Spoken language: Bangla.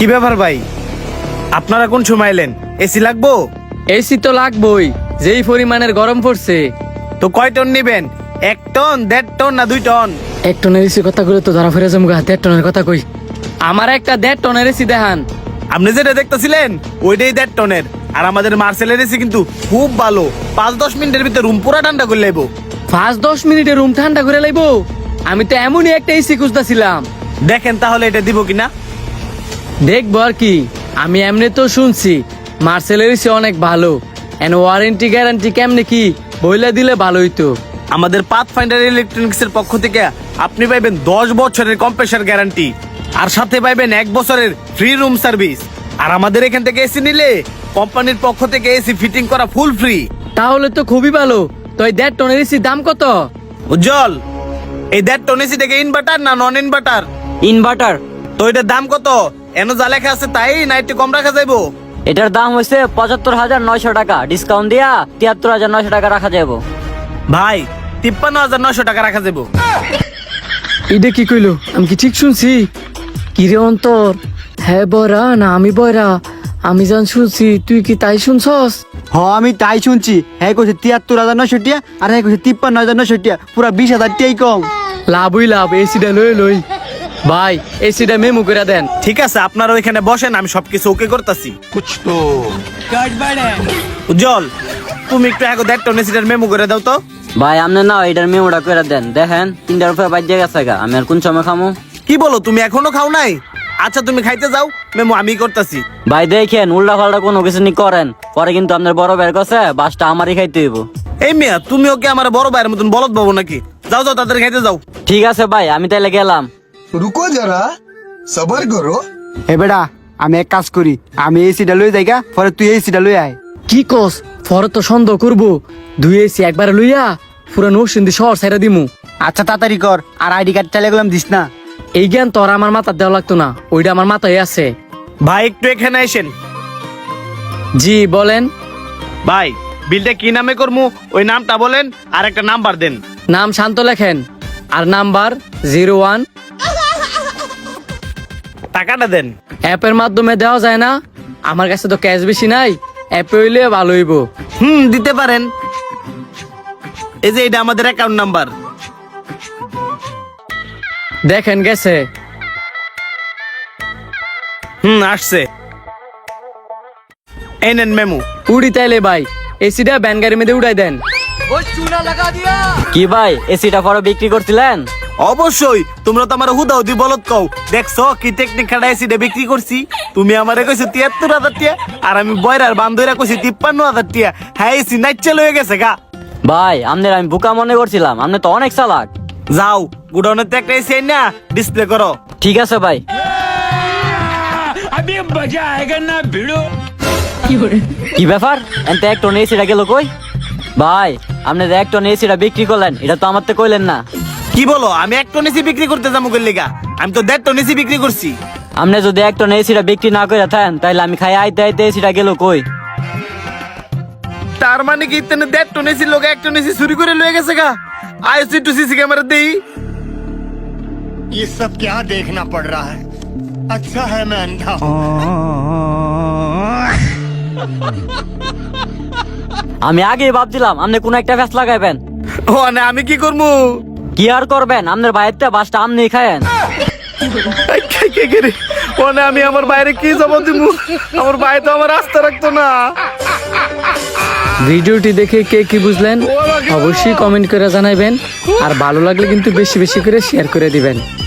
কি ব্যাপার ভাই, আপনারা কোন সময় এলেন? এসি লাগবো? এসি তো লাগবেই, যেই পরিমাণের গরম পড়ছে। তো কয় টন নিবেন? 1 টন, 1.5 টন না 2 টন? 1 টনের এসি কথা করে তো ধরা ফেরে জমগা। 1.5 টনের কথা কই, আমার একটা 1.5 টনের এসি দেখান। আপনি যেটা দেখতেছিলেন ওইটাই 1.5 টনের। আর আমাদের মার্সেলের এসি কিন্তু খুব ভালো, 5-10 মিনিটের ভিতরে রুম পুরা ঠান্ডা করে লাইবো। 5-10 মিনিটে রুম ঠান্ডা করে লাইবো? আমি তো এমনই একটা এসি খুঁজতেছিলাম। দেখেন তাহলে এটা দিব কিনা। দেখবো আর কি, আমি এমনি তো শুনছি মার্সেলের এসি অনেক ভালো। এন ওয়ারেন্টি গ্যারান্টি কেমনে কি বইলে দিলে ভালোই তো। আমাদের পাথফাইন্ডার ইলেকট্রনিক্স এর পক্ষ থেকে আপনি পাইবেন 10 বছরের কম্প্রেসার গ্যারান্টি, আর সাথে পাইবেন 1 বছরের ফ্রি রুম সার্ভিস। আর আমাদের এখান থেকে এসি নিলে কোম্পানির পক্ষ থেকে এসি ফিটিং করা ফুল ফ্রি। তাহলে তো খুবই ভালো। তো এই 1.5 টনের এসির দাম কত? উজ্জ্বল, এই 1.5 টন এসি থেকে ইনভার্টার না নন ইনভার্টার? ইনভার্টার। তো এটার দাম কত? এনো যা লেখা আছে তাই না একটু কম রাখা যাইবো? এটার দাম হচ্ছে 75,900 টাকা, ডিসকাউন্ট দিয়া 73,900 টাকা রাখা যাবো। ভাই 53,900 টাকা রাখা যাবো। এটা কি কইলো? আমি কি ঠিক শুনছি? কিরে অন্তর, হ্যাঁ বয়রা না আমি বয়রা? আমি জান শুনছি, তুই কি তাই শুনছস? আমি তাই শুনছি। হ্যাঁ কইছে 73,900 টাকা, আর হ্যাঁ কইছে 53,900 টাকা, পুরা 20,000 টাকাই কম। লাভই লাভ, এসিটা লই। ভাই এসিটা মেমো করে দেন। ঠিক আছে, আপনারা ওইখানে বসেন, আমি সবকিছু ওকে করতেছি। উজ্জ্বল, তুমি একটু আগে 1.5 টন এসিটার মেমো করে দাও তো। ভাই আপনি না এটার মেমোটা করে দেন। দেখেন 3টার উপরে বাজে গেছে গা, আমি আর কোন সময় খামু? কি বলো, তুমি এখনো খাও নাই? আচ্ছা তুমি খাইতে যাও, মেমো আমি করতেছি। ভাই দেখেন উল্টা পাল্টা কোনো কিছু নি করেন, পরে কিন্তু আপনার বড় ভাইয়ের কাছে বাসটা আমারই খাইতে হইব। এই মিয়া, তুমি ওকে আমার বড় ভাইয়ের মতন বলদ পাবো নাকি? যাও যাও, তাদের খাইতে যাও। ঠিক আছে ভাই, আমি তাইলে গেলাম। रुको जरा सबर करो। এ বেটা, আমি এক কাজ করি, আমি এসিটা লই যাইগা, পরে তুই এসিটা লই আয়। কি কস? ফরে তো সন্দেহ করবো। 2 এসি একবারে লইয়া পুরা নরসিংদী শহর ছাইরা দিমু। আচ্ছা তাড়াতাড়ি কর, আর আইডি কার্ড চালিয়ে গেলাম দিস না। এই জ্ঞান তোর আমার মাথা দেওয়া লাগতো না, ওইটা আমার মাথায় আছে। ভাই একটু এখানে আসেন। জি বলেন। ভাই বিলটা কি নামে করমু ওই নামটা বলেন, আর একটা নাম্বার দেন। নাম শান্ত লেখেন, আর নাম্বার 01। টাকাটা দেন। অ্যাপের মাধ্যমে দেওয়া যায় না? আমার কাছে তো ক্যাশ বেশি নাই, অ্যাপে হইলে ভালো হইব। দিতে পারেন। এই যে এটা আমাদের অ্যাকাউন্ট নাম্বার। দেখেন গেছে। আসছে। এই নেন মেমো। উড়ি তাইলে ভাই, এসিটা ব্যান গাড়ির মধ্যে উড়াই দেন। কি ভাই এসিটা পরে বিক্রি করছিলেন? অবশ্যই, তোমরা তো আমার হুদাহুদি বলত কও। দেখছো কি টেকনিক খাটা এসিটা বিক্রি করছি। তুমি আমারে কইছো 73,000 টাকা, আর আমি বয়রার বান্ধবীরা কইছি 53,000 টাকা। হ্যাঁ এসি নাইচে লয়ে গেছে গা। ভাই আপনার আমি বোকা মনে করছিলাম, আপনি তো অনেক চালাক। যাও গুডাউনের তো একটা এসি না ডিসপ্লে করো। ঠিক আছে ভাই। কি ব্যাপার, এনতে 1 টন এসিটা গেল কই? ভাই আপনি 1 টন এসিটা বিক্রি করলেন, এটা তো আমার তো কইলেন না। কি বলো, আমি 1 টন এসি বিক্রি করতে যাবো গেলিগা? আমি তো 1.5 টন এসি বিক্রি করছি। আপনি যদি 1 টন এসিটা বিক্রি না করে থাকেন, তাইলে আমি খাই আইতে আইতে এসিটা গেল কই? তার মানে কি ইতনে 1.5 টন এসি লোক 1 টন এসি চুরি করে লয়ে গেছে গা? আইসি টু সিসি ক্যামেরা দেই। ये सब क्या देखना पड़ रहा है? अच्छा है मैं अंधा हूँ। আমি আগেই ভাবছিলাম আপনি কোন একটা ফ্যাস লাগাইবেন। ও না, আমি কি করবো? কি আর করবেন, আপনার ভাইয়েরটা বাসটা আপনি খায়েন। ও না, আমি আমার বাইরে কি জবাব দিব? আমার ভাই তো আমার আস্থা রাখতো না। ভিডিওটি দেখে কে কি বুঝলেন অবশ্যই কমেন্ট করে জানাবেন, আর ভালো লাগলে কিন্তু বেশি বেশি করে শেয়ার করে দিবেন।